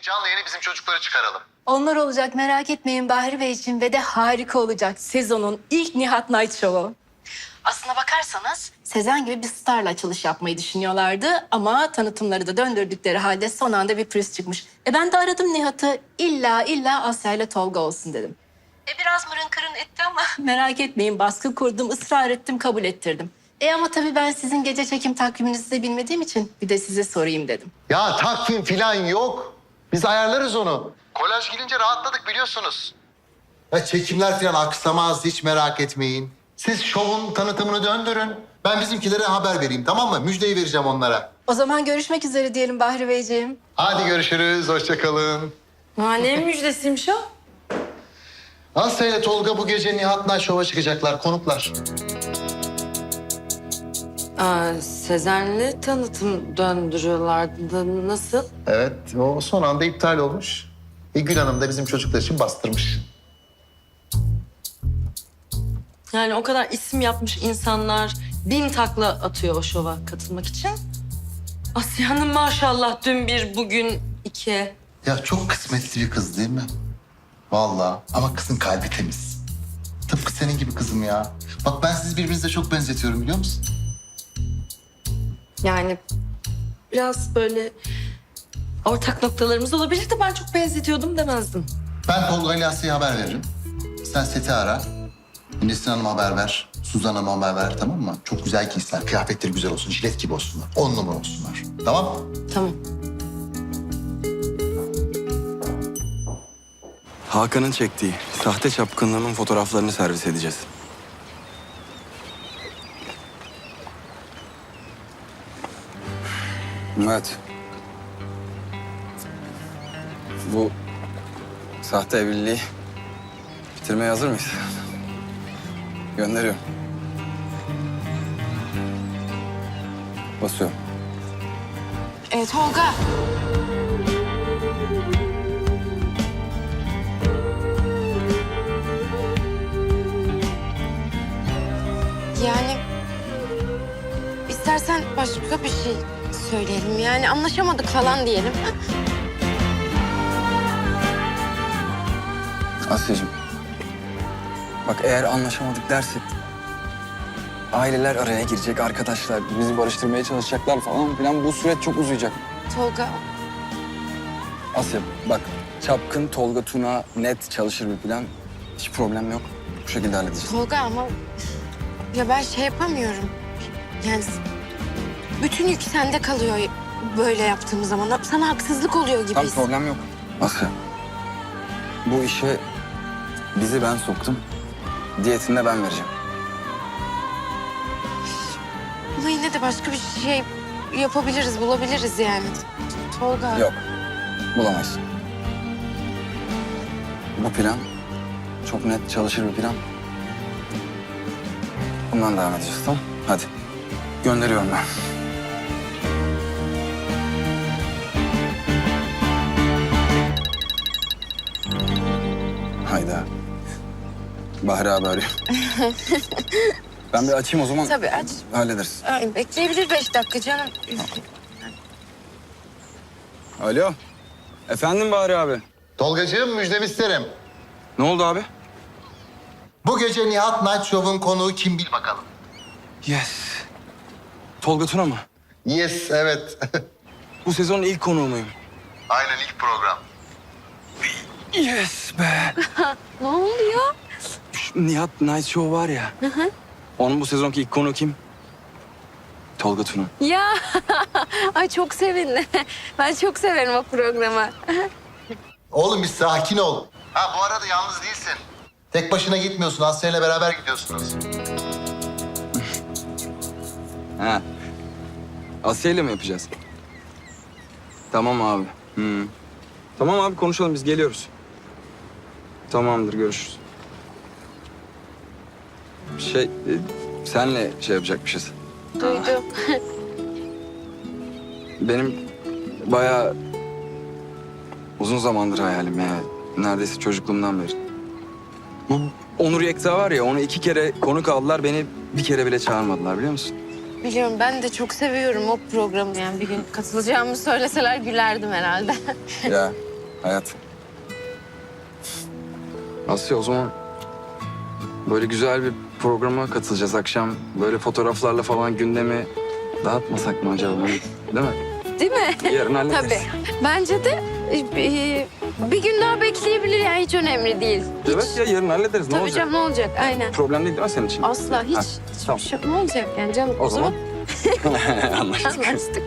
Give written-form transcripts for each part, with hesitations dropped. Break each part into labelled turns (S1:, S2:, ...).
S1: canlı yayını bizim çocukları çıkaralım.
S2: Onlar olacak, merak etmeyin Bahri Bey için ve de harika olacak. Sezonun ilk Nihat Night Show'u. Aslına bakarsanız Sezen gibi bir starla açılış yapmayı düşünüyorlardı ama tanıtımları da döndürdükleri halde son anda bir pürüz çıkmış. Ben de aradım Nihat'ı, illa Asya ile Tolga olsun dedim. Biraz mırın kırın etti ama merak etmeyin, baskı kurdum, ısrar ettim, kabul ettirdim. Ama tabii ben sizin gece çekim takviminizi de bilmediğim için bir de size sorayım dedim.
S1: Ya takvim falan yok. Biz ayarlarız onu. Kolaj gelince rahatladık biliyorsunuz. Ya çekimler falan aksamaz, hiç merak etmeyin. Siz şovun tanıtımını döndürün. Ben bizimkilere haber vereyim, tamam mı? Müjdeyi vereceğim onlara.
S2: O zaman görüşmek üzere diyelim Bahri Beyciğim.
S1: Hadi görüşürüz, hoşça kalın.
S3: Ne müjdesiymiş o?
S1: Asya ile Tolga bu gece Nihat Night Show'a çıkacaklar, konuklar.
S3: Sezen'le tanıtım döndürüyorlardı. Nasıl?
S1: Evet, o son anda iptal olmuş. Gül Hanım da bizim çocuklar için bastırmış.
S3: Yani o kadar isim yapmış insanlar 1000 takla atıyor o şova katılmak için. Asya'nın maşallah dün bir, bugün iki.
S1: Ya çok kısmetli bir kız değil mi? Vallahi ama kızın kalbi temiz. Tıpkı senin gibi kızım ya. Bak ben sizi birbirinize çok benzetiyorum biliyor musun?
S3: Yani biraz böyle ortak noktalarımız olabilirdi. Ben çok benzetiyordum demezdim.
S1: Ben Tolga ile Asya'ya haber veririm. Sen Seti ara. Nesrin Hanım'a haber ver. Suzan Hanım'a haber ver, tamam mı? Çok güzel giysinler. Kıyafetleri güzel olsun. Jilet gibi olsunlar. 10 numara olsunlar. Tamam mı?
S3: Tamam.
S4: Hakan'ın çektiği sahte çapkınlığının fotoğraflarını servis edeceğiz. Evet. Bu sahte evliliği bitirmeye hazır mıyız? Gönderiyorum. Basıyorum.
S2: Tolga.
S5: Yani istersen başka bir şey söyleyelim. Yani anlaşamadık falan diyelim.
S4: Asya'cığım. Bak eğer anlaşamadık dersek aileler araya girecek, arkadaşlar bizi barıştırmaya çalışacaklar falan filan. Bu süreç çok uzayacak.
S5: Tolga,
S4: Asya bak çapkın Tolga Tuna net çalışır bir plan. Hiç problem yok. Bu şekilde halledeceğiz.
S5: Tolga ama ya ben şey yapamıyorum. Yani bütün yük sende kalıyor böyle yaptığımız zaman. Sana haksızlık oluyor gibi.
S4: Tam problem yok. Asya. Bu işe bizi ben soktum. Diyetini de ben vereceğim.
S5: Ama yine de başka bir şey yapabiliriz, bulabiliriz yani. Tolga.
S4: Yok. Bulamayız. Bu plan çok net çalışır bir plan. Bundan devam edeceğiz, tamam? Hadi. Gönderiyorum ben. Hayda. Bahri abi arıyor. Ben bir açayım o zaman.
S5: Tabii aç.
S4: Hallederiz.
S5: Ay, bekleyebilir 5 dakika canım.
S4: Alo. Efendim Bahri abi.
S1: Tolgacığım müjdemi isterim.
S4: Ne oldu abi?
S1: Bu gece Nihat Night Show'un konuğu kim bil bakalım.
S4: Yes. Tolga Tuna mı?
S1: Yes, evet.
S4: Bu sezonun ilk konuğu muyum?
S1: Aynen ilk program.
S4: Yes be.
S5: Ne oluyor?
S4: Şu Nihat Night Show var ya. Onun bu sezonki ilk konuğu kim? Tolga Tuna.
S5: Ya ay çok sevindim. Ben çok severim o programı.
S1: Oğlum bir sakin ol. Ha bu arada yalnız değilsin. Tek başına gitmiyorsun. Asya ile beraber gidiyorsunuz.
S4: Ha. Asya ile mi yapacağız? Tamam abi. Tamam abi konuşalım biz geliyoruz. Tamamdır görüşürüz. Senle şey yapacakmışız.
S5: Duydum.
S4: Benim bayağı uzun zamandır hayalim ya. Neredeyse çocukluğumdan beri. Bu Onur Yekta var ya onu 2 kere konuk aldılar. Beni bir kere bile çağırmadılar biliyor musun?
S5: Biliyorum ben de çok seviyorum o programı. Yani bir gün katılacağımı söyleseler gülerdim herhalde.
S4: Ya hayat. Asya, o zaman böyle güzel bir programa katılacağız akşam. Böyle fotoğraflarla falan gündemi dağıtmasak mı acaba? Değil mi?
S5: Değil mi?
S4: Yarın hallederiz.
S5: Tabii. Bence de bir gün daha bekleyebilir yani hiç önemli değil. Hiç.
S4: Evet ya, yarın hallederiz. Ne
S5: Tabii
S4: olacak?
S5: canım ne olacak? Aynen.
S4: Problem değil mi senin için?
S5: Asla hiç.
S4: Ha,
S5: Hiçbir
S4: tamam.
S5: şey ne olacak yani canım?
S4: O zaman anlaştık.
S5: Anlaştık.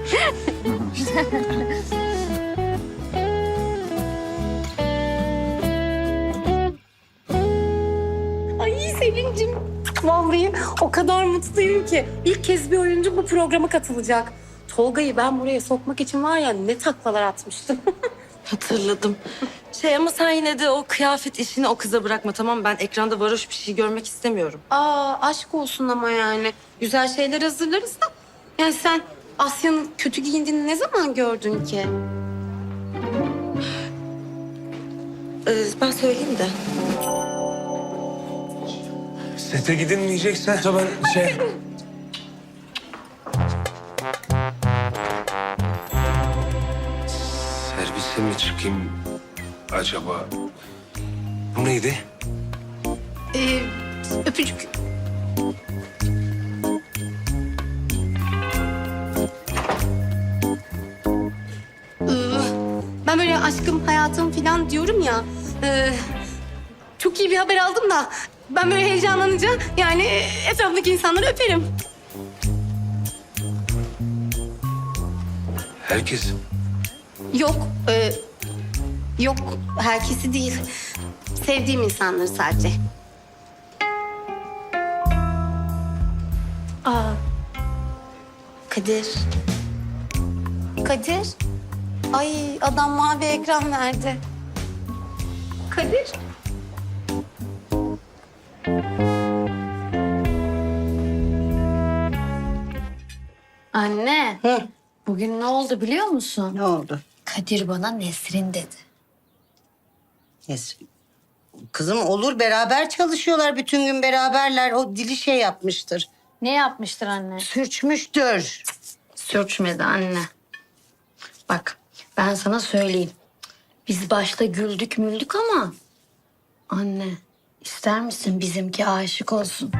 S2: Ay Selin'cim. Vallahi o kadar mutluyum ki. İlk kez bir oyuncu bu programa katılacak. Tolga'yı ben buraya sokmak için var ya ne taklalar atmıştım.
S3: Hatırladım. Ama sen yine de o kıyafet işini o kıza bırakma, tamam mı? Ben ekranda varoş bir şey görmek istemiyorum.
S2: Aa aşk olsun ama yani. Güzel şeyler hazırlarız da. Yani sen Asya'nın kötü giyindiğini ne zaman gördün ki?
S3: Ben söyleyeyim de.
S6: Sete gidilmeyecekse ben servise mi çıkayım acaba? Bu neydi?
S2: Öpücük. Ben böyle aşkım, hayatım falan diyorum ya. Çok iyi bir haber aldım da. Ben böyle heyecanlanınca yani etrafındaki insanları öperim.
S6: Herkes.
S2: Yok, yok herkesi değil. Sevdiğim insanları sadece. Aa, Kadir. Kadir. Ay adam mavi ekran verdi. Kadir.
S7: Anne, bugün ne oldu biliyor musun?
S8: Ne oldu?
S7: Kadir bana Nesrin dedi.
S8: Nesrin. Kızım olur beraber çalışıyorlar. Bütün gün beraberler. O dili şey yapmıştır.
S7: Ne yapmıştır anne?
S8: Sürçmüştür.
S7: Sürçmedi anne. Bak, ben sana söyleyeyim. Biz başta güldük müldük ama... Anne, ister misin bizimki aşık olsun?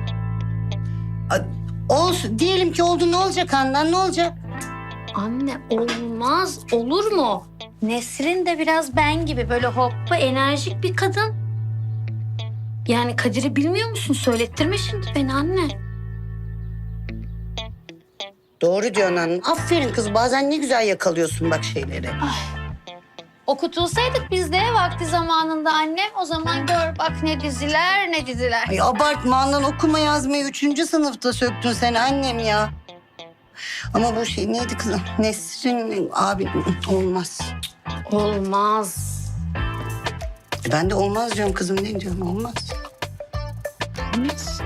S8: Olsun. Diyelim ki oldu, ne olacak Handan, ne olacak?
S7: Anne, olmaz. Olur mu? Nesrin de biraz ben gibi böyle hoppa enerjik bir kadın. Yani Kadir'i bilmiyor musun? Söylettirme şimdi beni anne.
S8: Doğru diyorsun hanım. Aferin kız. Bazen ne güzel yakalıyorsun bak şeyleri.
S7: Okutulsaydık biz de vakti zamanında annem, o zaman gör bak ne diziler ne diziler.
S8: Ay abartma Handan, okuma yazmayı 3. sınıfta söktün sen annem ya. Ama bu şey neydi kızım? Nesrin abi olmaz.
S7: Olmaz.
S8: Ben de olmaz diyorum kızım, ne diyorum, olmaz.
S7: Olmaz.